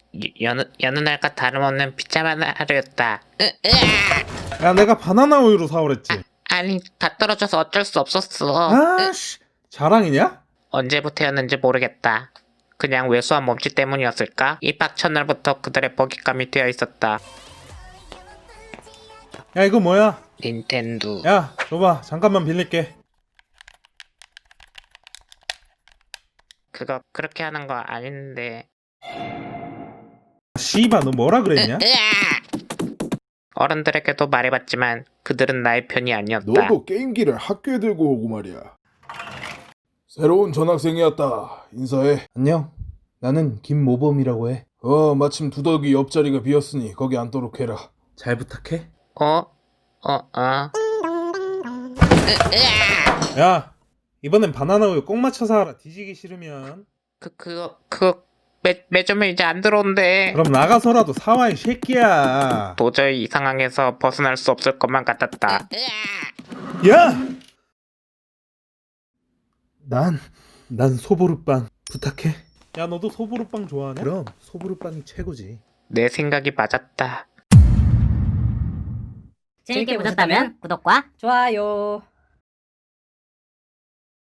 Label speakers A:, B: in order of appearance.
A: 여느 날과 다름없는 비참한 하루였다.
B: 야, 내가 바나나 우유로 사오랬지.
A: 아니, 다 떨어져서 어쩔 수 없었어.
B: 아씨, 자랑이냐?
A: 언제부터였는지 모르겠다. 그냥 왜소한 몸짓 때문이었을까? 입학 첫날부터 그들의 먹잇감이 되어 있었다.
B: 야, 이거 뭐야?
A: 닌텐도.
B: 야, 줘봐. 잠깐만 빌릴게.
A: 그거 그렇게 하는 거 아닌데.
B: 씨바, 너 뭐라 그랬냐?
A: 어른들에게도 말해봤지만 그들은 나의 편이 아니었다.
C: 너도 게임기를 학교에 들고 오고 말이야. 새로운 전학생이었다. 인사해.
B: 안녕. 나는 김모범이라고 해.
C: 마침 두더기 옆자리가 비었으니 거기 앉도록 해라.
B: 잘 부탁해. 야, 이번엔 바나나 우유 꼭 맞춰서 하라. 뒤지기 싫으면.
A: 그거 매점에 이제 안 들어온대.
B: 그럼 나가서라도 사와, 이 새끼야.
A: 도저히 이 상황에서 벗어날 수 없을 것만 같았다.
B: 야! 난 소보루빵 부탁해. 야, 너도 소보루빵 좋아하냐? 그럼 소보루빵이 최고지.
A: 내 생각이 맞았다.
D: 재밌게 보셨다면 구독과
E: 좋아요.